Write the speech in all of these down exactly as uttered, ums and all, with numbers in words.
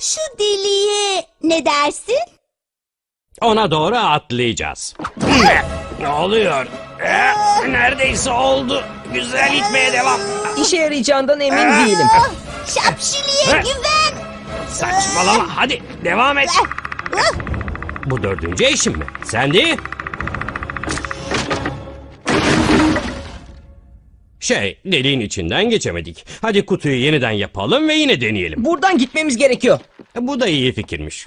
Şu deliğe ne dersin? Ona doğru atlayacağız. Ne oluyor? Eh, Neredeyse oldu. Güzel gitmeye devam. İşe yarayacağından emin değilim. Ah, Şapşiliye güven. Saçmalama. Hadi devam et. Ah, Bu dördüncü eşim mi? Sen değil. Şey, deliğin içinden geçemedik. Hadi kutuyu yeniden yapalım ve yine deneyelim. Buradan gitmemiz gerekiyor. Bu da iyi fikirmiş.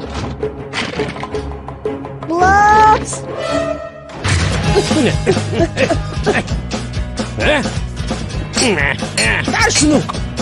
Blops. Eh? Ver şunu.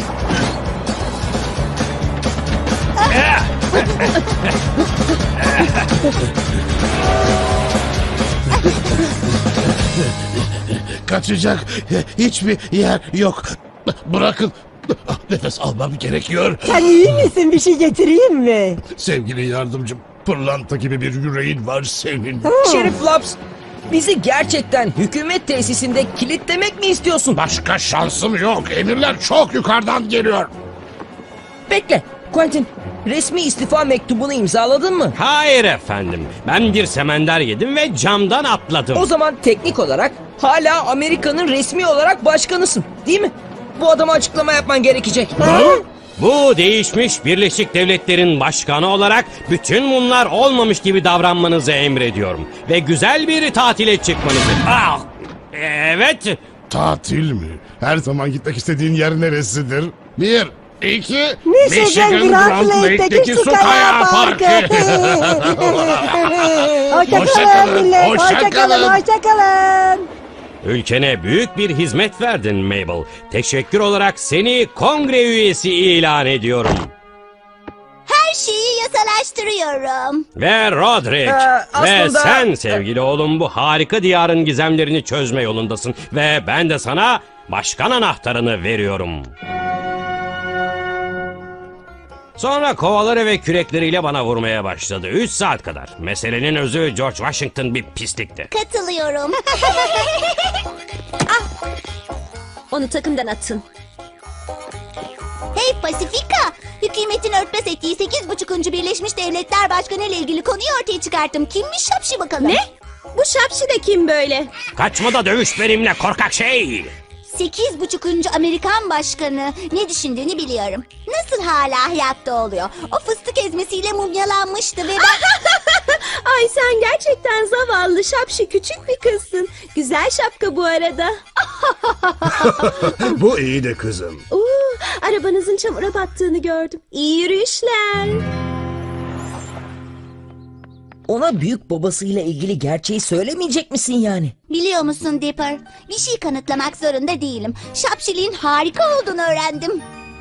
Kaçacak hiçbir yer yok. Bırakın. Nefes almam gerekiyor. Sen iyi misin? Bir şey getireyim mi? Sevgili yardımcım, pırlanta gibi bir yüreğin var senin. Şerif Laps, bizi gerçekten hükümet tesisinde kilitlemek mi istiyorsun? Başka şansım yok. Emirler çok yukarıdan geliyor. Bekle, Quentin. Resmi istifa mektubunu imzaladın mı? Hayır efendim. Ben bir semender yedim ve camdan atladım. O zaman teknik olarak hala Amerika'nın resmi olarak başkanısın, değil mi? Bu adama açıklama yapman gerekecek. Bu değişmiş Birleşik Devletler'in başkanı olarak bütün bunlar olmamış gibi davranmanızı emrediyorum. Ve güzel bir tatile çıkmanızı... Ah, evet. Tatil mi? Her zaman gitmek istediğin yer neresidir? Bir, iki, Michigan Grand Lake'deki su kayağı parkı. Hoşça Hoşça kalın, kalın millet. hoşça Hoşça kalın. kalın. Hoşça kalın. Ülkene büyük bir hizmet verdin Mabel. Teşekkür olarak seni kongre üyesi ilan ediyorum. Her şeyi yasalaştırıyorum. Ve Roderick. Ee, Ve aslında- sen sevgili oğlum bu harika diyarın gizemlerini çözme yolundasın. Ve ben de sana başkan anahtarını veriyorum. Sonra kovaları ve kürekleriyle bana vurmaya başladı. Üç saat kadar. Meselenin özü George Washington bir pislikti. Katılıyorum. Onu takımdan atın. Hey Pasifika! Hükümetin örtbas ettiği sekiz buçukuncu Birleşmiş Devletler Başkanı ile ilgili konuyu ortaya çıkarttım. Kimmiş şapşi bakalım? Ne? Bu şapşi de kim böyle? Kaçma da dövüş benimle korkak şey. Sekiz buçukuncu Amerikan Başkanı ne düşündüğünü biliyorum. Nasıl hala hayatta oluyor? O fıstık ezmesiyle mumyalanmıştı ve ben... Ay sen gerçekten zavallı şapşi küçük bir kızsın. Güzel şapka bu arada. Bu iyi de kızım. Oo, arabanızın çamura battığını gördüm. İyi yürüyüşler. Ona büyük babasıyla ilgili gerçeği söylemeyecek misin yani? Biliyor musun Dipper? Bir şey kanıtlamak zorunda değilim. Şapşiliğin harika olduğunu öğrendim.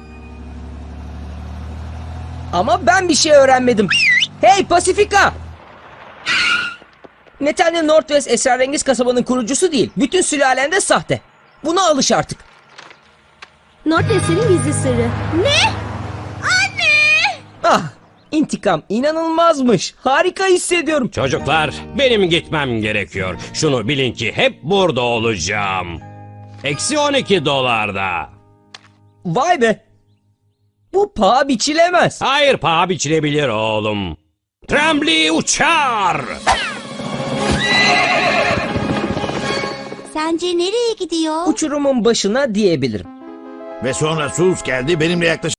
Ama ben bir şey öğrenmedim. Hey Pasifika! Nathaniel Northwest esrarengiz kasabanın kurucusu değil. Bütün sülalen de sahte. Buna alış artık. Northwest'in gizli sırrı. Ne? Ah! İntikam inanılmazmış. Harika hissediyorum. Çocuklar benim gitmem gerekiyor. Şunu bilin ki hep burada olacağım. Eksi on iki dolarda. Vay be! Bu paha biçilemez. Hayır paha biçilebilir oğlum. Trembly uçar. Sence nereye gidiyor? Uçurumun başına diyebilirim. Ve sonra Sus geldi benimle yaklaşık